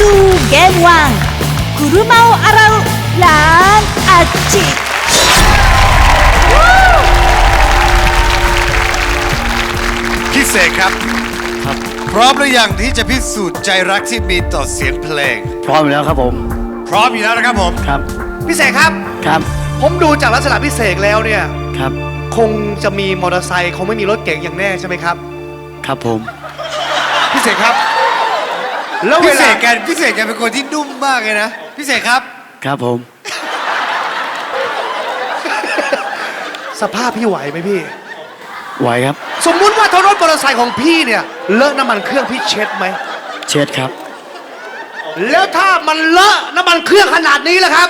to Game 1車を洗うランアッチพี่เสกครับพร้อมหรือยังที่จะพิสูจน์ใจรักที่มีต่อเสียงเพลงพร้อมแล้วครับผมพร้อมอยู่แล้วนะครับผมครับพี่เสกครับครับผมดูจากลักษณะพี่เสกแล้วเนี่ยครับคงจะมีมอเตอร์ไซค์คงไม่มีรถเก๋งอย่างแน่ใช่ไหมครับครับผมพี่เสกครับแล้วเวพี่เสลากแกเป็นคนที่นุ่มมากเลยนะพี่เสกครับครับผมสภาพพี่ไหวไหมพี่ไหวครับสมมุติว่าถ้ารถมอเตอร์ไซค์ของพี่เนี่ยเลอะน้ำมันเครื่องพี่เช็ดไหมเช็ดครับแล้วถ้ามันเลอะน้ำมันเครื่องขนาดนี้ล่ะครับ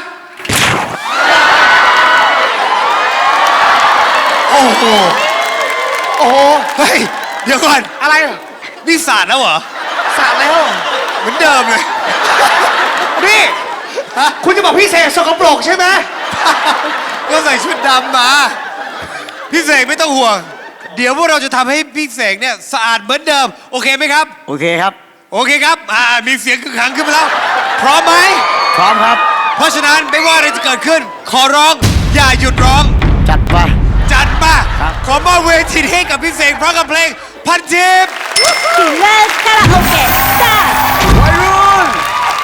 โอ้โหโอ้โหเฮ้ยเดี๋ยวก่อนอะไรนี่สาดแล้วเหรอสาดแล้วเหมือนเดิมเลยนี่คุณจะบอกพี่เสกสกปรกใช่ไหมก็ใส่ชุดดำมาพี่เสกไม่ต้องห่วงเดี๋ยวพวกเราจะทำให้พี่เสกเนี่ยสะอาดเหมือนเดิมโอเคไหมครับโอเคครับโอเคครับมีเสียงคึกคักขึ้นมาแล้วพร้อมไหมพร้อมครับเพราะฉะนั้นไม่ว่าอะไรจะเกิดขึ้นขอร้องอย่าหยุดร้องจัดไปจัดมาขอมอบเวทีให้กับพี่เสกพร้อมกับเพลงพันทิพย์キラカラオケスタートวัยรุ่น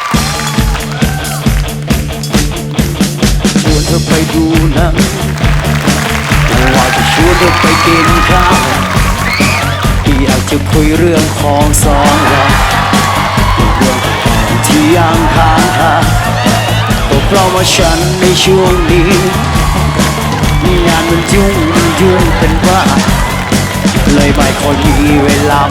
ชวนเธอไปดูหนังว่าจะชวนเธอไปกินข้าวอยากจะคุยเรื่องของสองเราเรื่องที่ยังค้างคาก็เพราะว่าฉันในช่วงนี้งานมันยุ่งเป็นว่าเลยไม่ค่อยมีเวลา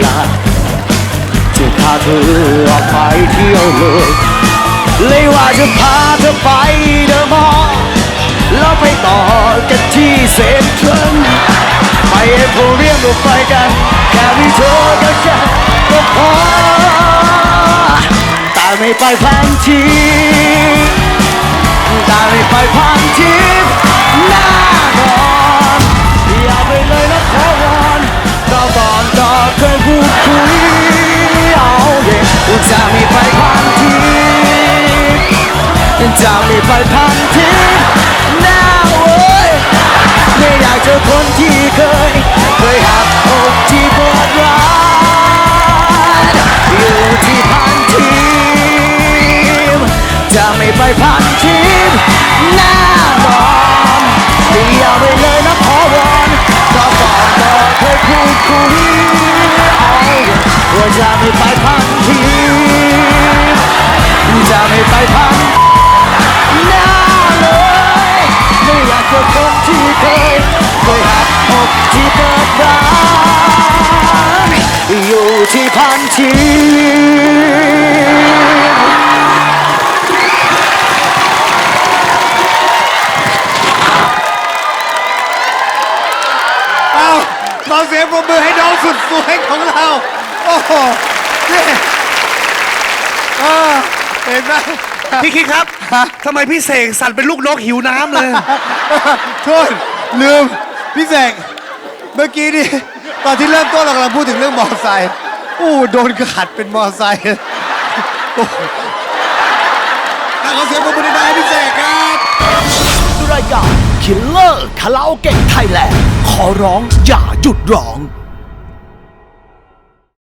จะพาเธอออกไปเที่ยวเลยว่าจะพาเธอไปเดอะมอลล์แล้วไปต่อกันที่เซ็นทรัลไปเอโพเรียมก็ไปกันแค่มีเธอกับฉันก็พอแต่ไม่ไปพันทีแต่ไม่ไปพันทีแน่นอนอย่าไปเลยนะขอวอนเราก่อนก็เคยพูดคุยเอาเด็กจะไม่ไปพันทีจะไม่ไปพันทีแน่เว้ยไม่อยากเจอคนที่เคยหักอกที่ปวดร้าวอยู่ที่พันทีจะไม่ไปพันทีแน่นอนอย่าไปเลยนะขอวอนก็ก่อนก็เคยพูดคุยเอาว่าจะไม่ไปพันทีจะไม่ไปพันแน่เลยไม่อยากเจอคนที่เคยหักอกที่เปิดร้านอยู่ที่พันทีขอเสียงปรบมือให้น้องสุดสวยของเราโอ้โหนี่เห็นไหมพี่คิดครับทำไมพี่เสกสั่นเป็นลูกนกหิวน้ำเลยโทษลืมพี่เสกเมื่อกี้นี่ตอนที่เริ่มต้นเรากำลังพูดถึงเรื่องมอเตอร์ไซค์โดนขัดเป็นมอเตอร์ไซค์ขอเสียงปรบมือให้พี่เสกครับรายการ Killer Karaoke Thailand ขอร้องอย่าหยุดร้อง